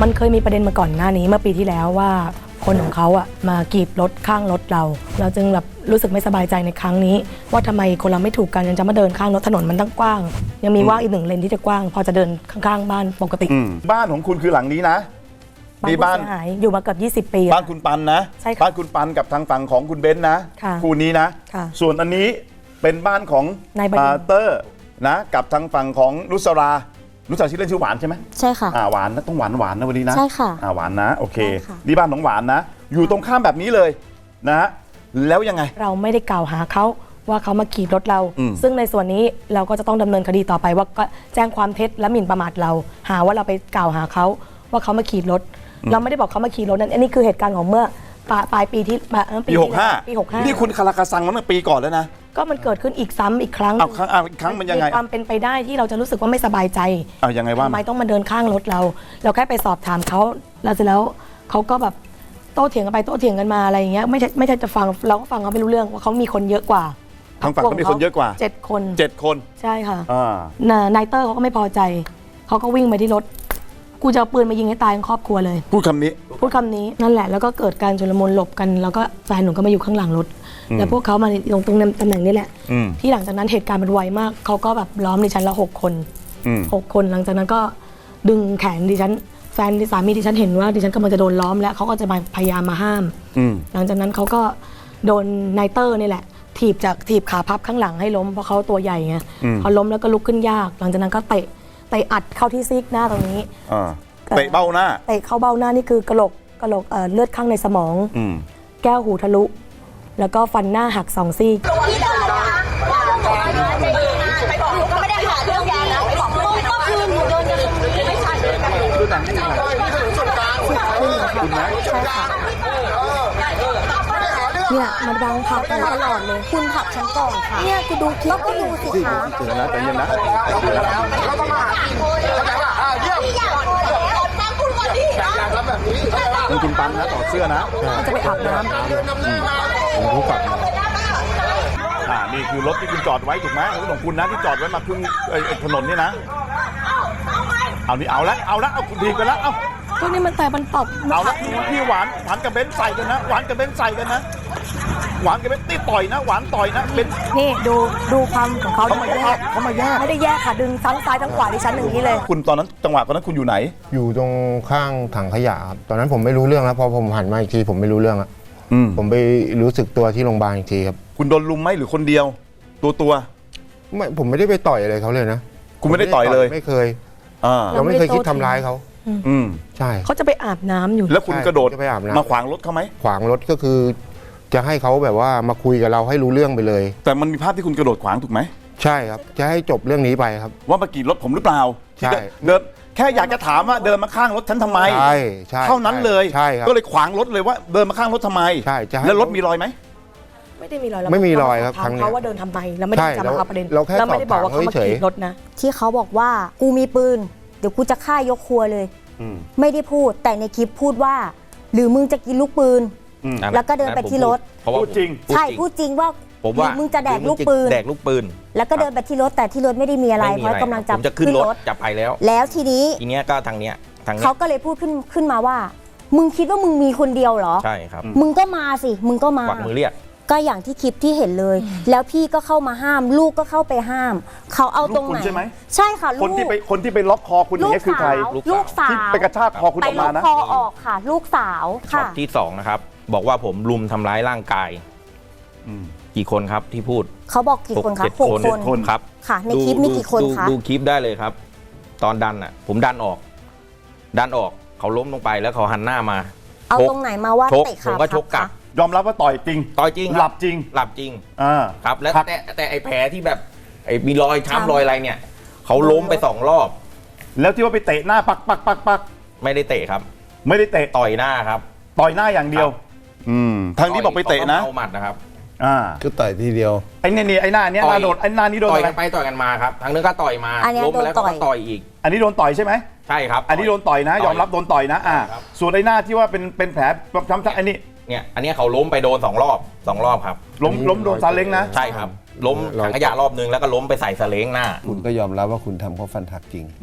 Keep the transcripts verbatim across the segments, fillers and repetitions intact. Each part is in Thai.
มันเคยมีประเด็นมาก่อนหน้านี้เมื่อปีที่แล้วว่าคนของเขาอะมากรีดรถข้างรถเรา เราจึงแบบรู้สึกไม่สบายใจในครั้งนี้ว่าทำไมคนเราไม่ถูกกันยังจะมาเดินข้างรถถนนมันตั้งกว้างยังมีว่างอีกหนึ่งเลนที่จะกว้างพอจะเดินข้างๆบ้านปกติบ้านของคุณคือหลังนี้นะมีบ้านผู้เสียหายอยู่มาเกือบยี่สิบปีบ้านคุณปันนะใช่ค่ะบ้านคุณปันกับทางฝั่งของคุณเบนซ์นะคู่นี้นะส่วนอันนี้เป็นบ้านของนายบดินทร์เตอร์นะกับทางฝั่งของนุสรานุสราชื่อเล่นชื่อหวานใช่ไหมใช่ค่ะอ่าหวานนะต้องหวานหวานนะวันนี้นะใช่ค่ะอ่าหวานนะโอเคนี่บ้านของหวานนะอยู่ตรงข้ามแบบนี้เลยนะฮะแล้วยังไงเราไม่ได้กล่าวหาเขาว่าเขามาขี่รถเราซึ่งในส่วนนี้เราก็จะต้องดำเนินคดีต่อไปว่าก็แจ้งความเท็จและหมิ่นประมาทเราหาว่าเราไปกล่าวหาเขาว่าเขามาขี่รถเราไม่ได้บอกเขามาขี่รถนั่นอันนี้คือเหตุการณ์ของเมื่อปลายปีที่ปีหกห้าปีหกห้านี่คุณคาราคาซังมาตั้งปีก่อนแล้วนะก็มันเกิดขึ้นอีกซ้ำอีกครั้งเอาครั้งอีกครั้งมันยังไงมีความเป็นไปได้ที่เราจะรู้สึกว่าไม่สบายใจเอายังไงว่าทำไมต้องมาเดินข้างรถเราเราแค่ไปสอบถามเขาแล้วเสร็จแล้วเขาก็แบบโต้เถียงกันไปโต้เถียงกันมาอะไรอย่างเงี้ยไม่ใช่ไม่ใช่จะฟังเราก็ฟังเขาไม่รู้เรื่องว่าเขามีคนเยอะกว่าทางฝั่งเขามีคนเยอะกว่าเจ็ดคนเจ็ดคนใช่ค่ะนายเตอร์เขาก็ไม่พอใจเขาก็วิ่งไปที่รถกูจะเอาปืนมายิงให้ตายทั้งครอบครัวเลยพูดคำนี้พูดคำนี้นั่นแหละแล้วก็เกิดการชุลมุนหลบกันแล้วก็แฟนหนูก็มาอยู่ข้างหลังรถแล้วพวกเขามาลงตรงตำแหน่งนี้แหละที่หลังจากนั้นเหตุการณ์มันไวมากเขาก็แบบล้อมดิฉันละหกคนหกคนหลังจากนั้นก็ดึงแขนดิฉันแฟนสามีดิฉันเห็นว่าดิฉันกำลังจะโดนล้อมแล้วเขาก็จะมาพยายามมาห้ามหลังจากนั้นเขาก็โดนนายเตอร์นี่แหละถีบจากถีบขาพับข้างหลังให้ล้มเพราะเขาตัวใหญ่ไงพอล้มแล้วก็ลุกขึ้นยากหลังจากนั้นก็เตะเตะอัดเข้าที่ซีกหน้าตรงนี้เตะเบ้าหน้าเตะเข้าเบ้าหน้านี่คือกระโหลกกระโหลกเอ่อเลือดข้างในสมองแก้วหูทะลุแล้วก็ฟันหน้าหักสองซี่เนี่ยมันดังผักตลอดเลยคุณผักฉันก่อนค่ะเนี่ยกูดูคลิปก็ดูสิคะเจอนะใจเย็นนะคุณคุณปันนะต่อเสื้อนะมันจะไปอาบน้ำผมรู้ก่อนอ่านี่คือรถที่คุณจอดไว้ถูกไหมรถของคุณนะที่จอดไว้มาพึ่งถนนนี่นะเอานี่เอาละเอาละเอาคุณทีกันแล้วเอาพวกนี้มันแต่มันตบเอาละพี่หวานหวานกับเบนใส่กันนะหวานกับเบนใส่กันนะหวานกับเบนตีต่อยนะหวานต่อยนะเบนนี่ดูดูความของเขาเขามาแยกเขามาแยกไม่ได้แยกค่ะดึงทั้งซ้ายทั้งขวาดิฉันอย่างนี้เลยคุณตอนนั้นจังหวะตอนนั้นคุณอยู่ไหนอยู่ตรงข้างถังขยะครับตอนนั้นผมไม่รู้เรื่องแล้วพอผมหันมาอีกทีผมไม่รู้เรื่องแล้วผมไปรู้สึกตัวที่โรงพยาบาลอีกทีครับคุณโดนลุมไหมหรือคนเดียวตัวตัวไม่ผมไม่ได้ไปต่อยอะไรเขาเลยนะคุณไม่ได้ต่อยเลยไม่เคยเราไม่เคยคิดทำร้ายเขาอืมใช่เขาจะไปอาบน้ำอยู่แล้วคุณกระโดดมาขวางรถเขาไหมขวางรถก็คือจะให้เขาแบบว่ามาคุยกับเราให้รู้เรื่องไปเลยแต่มันมีภาพที่คุณกระโดดขวางถูกไหมใช่ครับจะให้จบเรื่องนี้ไปครับว่ามากี่รถผมหรือเปล่าใช่เดินแค่อยากจะถามว่าเดินมาข้างรถฉันทำไมใช่ใช่เท่านั้นเลยใช่ครับก็เลยขวางรถเลยว่าเดินมาข้างรถทำไมใช่แล้วรถมีรอยไหมไม่ได้มีรอยไม่มีรอยครับถามเขาว่าเดินทำไมแล้วไม่ได้จะมาเอาประเด็นเราไม่ได้บอกว่าเขามาขี่รถนะที่เขาบอกว่ากูมีปืนเดี๋ยวกูจะฆ่ายกครัวเลยไม่ได้พูดแต่ในคลิปพูดว่าหรือมึงจะกินลูกปืนแล้วก็เดินไปที่รถพูดจริงใช่พูดจริงว่าผมว่ามึงจะแดกลูกปืนแดกลูกปืนแล้วก็เดินไปที่รถแต่ที่รถไม่ได้มีอะไรเพราะกำลังจะขึ้นรถจะไปแล้วแล้วทีนี้ทีเนี้ยก็ทางเนี้ยทางเขาก็เลยพูดขึ้นขึ้นมาว่ามึงคิดว่ามึงมีคนเดียวเหรอใช่ครับมึงก็มาสิมึงก็มาปักมือเรียกก็อย่างที่คลิปที่เห็นเลยแล้วพี่ก็เข้ามาห้ามลูกก็เข้าไปห้ามเขาเอาตรงไหนใช่ไหมใช่ค่ะคนที่ไปคนที่ไปล็อกคอคุณอย่างนี้คือใครลูกสาวที่ไปกระชากคอคุณออกมานะไปล็อกคอออกค่ะลูกสาวช็อตที่สองนะครับบอกว่าผมลุมทำร้ายร่างกายกี่คนครับที่พูดเขาบอกกี่คนครับหกคนครับค่ะในคลิปมีกี่คนคะดูคลิปได้เลยครับตอนดันอ่ะผมดันออกดันออกเขาล้มลงไปแล้วเขาหันหน้ามาเอาตรงไหนมาว่าเตะขาผมก็ชกกลับยอมรับว่าต่อยจริงต่อยจริงหลับจริงหลับจริงอ่าครับแล้วแต่แต่ไอ้แผลที่แบบไอ้มีรอยช้ำรอยอะไรเนี่ยเขาล้มไปสองรอบแล้วที่ว่าไปเตะหน้าปักปักปักปักไม่ได้เตะครับไม่ได้เตะต่อยหน้าครับต่อยหน้าอย่างเดียวอืมทางนี้บอกไปเตะนะเอาหมัดนะครับอ่าก็ต่อยทีเดียวไอ้นี่นี่ไอ้หน้าเนี้ยหน้าโดนไอ้หน้านี้โดนต่อยกันไปต่อยกันมาครับทางนึงก็ต่อยมาล้มแล้วก็ต่อยอีกอันนี้โดนต่อยใช่ไหมใช่ครับอันนี้โดนต่อยนะยอมรับโดนต่อยนะอ่าส่วนไอ้หน้าที่ว่าเป็นเป็นแผลช้ำๆไอ้นี่เนี่ยอันนี้เขาล้มไปโดนสองรอบสองรอบครับล้มล้มโดนซาเล้งนะใช่ครับล้มถังขยะรอบนึงแล้วก็ล้มไปใส่ซาเล้งหน้าคุณก็ยอมรับว่าคุณทำเขาฟันหักจริง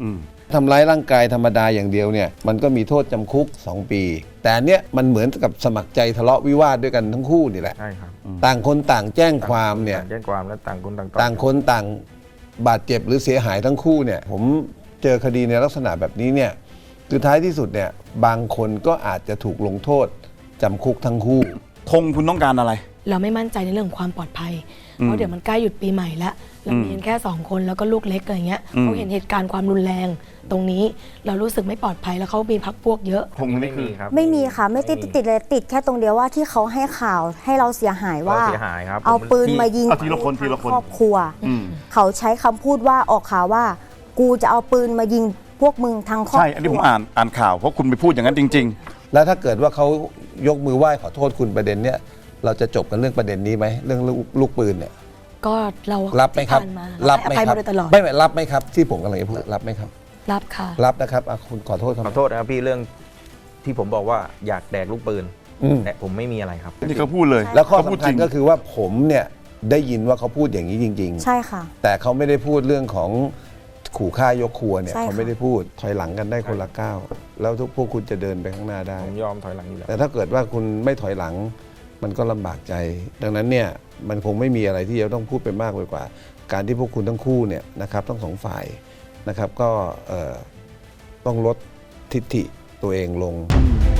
ทำร้ายร่างกายธรรมดาอย่างเดียวเนี่ยมันก็มีโทษจำคุกสองปี แต่อันเนี้ยมันเหมือนกับสมัครใจทะเลาะวิวาทด้วยกันทั้งคู่นี่แหละใช่ครับต่างคนต่างแจ้งความเนี่ยต่างแจ้งความและต่างคนต่างต่างคนต่างบาดเจ็บหรือเสียหายทั้งคู่เนี่ยผมเจอคดีในลักษณะแบบนี้เนี่ยคือท้ายที่สุดเนี่ยบางคนก็อาจจะถูกลงโทษจำคุกทั้งคู่ธงคุณต้องการอะไรเราไม่มั่นใจในเรื่องของความปลอดภัย เพราะเดี๋ยวมันใกล้หยุดปีใหม่แล้วเรามีกันแค่สองคนแล้วก็ลูกเล็กอะไรเงี้ยเขาเห็นเหตุการณ์ความรุนแรงตรงนี้เรารู้สึกไม่ปลอดภัยแล้วเขามีพักพวกเยอะธงไม่นี่คืมีอครับไม่มีค่ะไม่ติดติดเลยติดแค่ตรงเดียวว่าที่เขาให้ข่าวให้เราเสียหายว่าเราเสียหายครับเอาผมปืนที่มายิงเอาทีละคนทีละคนครอบครัวอืมเขาใช้คำพูดว่าออกข่าวว่า กูจะเอาปืนมายิงพวกมึงทั้งครอบคใช่รัวอันนี้ผมอ่านอ่านข่าวเพราะคุณไปพูดอย่างนั้นจริงแล้วถ้าเกิดว่าเขายกมือไหว้ขอโทษคุณประเด็นเนี้ยเราจะจบกันเรื่องประเด็นนี้ไหมเรื่องลูกลูกปืนเนี่ยก็เรารับไหมครับที่ผ่านมารัรับบ ไหมให้ครัมาโดยตลอดไม่ไม่รับไหมครับที่ผมกำลังจะพูดรับไหมครับรับค่ะรับนะครับอ่ะคุณขอโทษครับขอโทษนะครับพี่เรื่องที่ผมบอกว่าอยากแดกลูกปืนอืมแต่ผมไม่มีอะไรครับๆ นี่เขาพูดเลยแล้วข้อเขาพูดสำจคัริญงก็คือว่าผมเนี่ยได้ยินว่าเขาพูดอย่างนี้จริงใช่ค่ะๆ แต่เขาไม่ได้พูดเรื่องของขู่ฆ่ายกครัวเนี่ยใช่ค่ะเขาไม่ได้พูดถอยหลังกันได้คนละก้าวแล้วทุกพวกคุณจะเดินไปข้างหน้าได้ผมยอมถอยหลังอยู่แล้วแต่ถ้าเกิดว่าคุณไม่ถอยหลังมันก็ลำบากใจ ดังนั้นเนี่ยมันคงไม่มีอะไรที่จะต้องพูดไปมากไปกว่า การที่พวกคุณทั้งคู่เนี่ยนะครับทั้งสองฝ่ายนะครับก็เอ่อต้องลดทิฐิตัวเองลงอ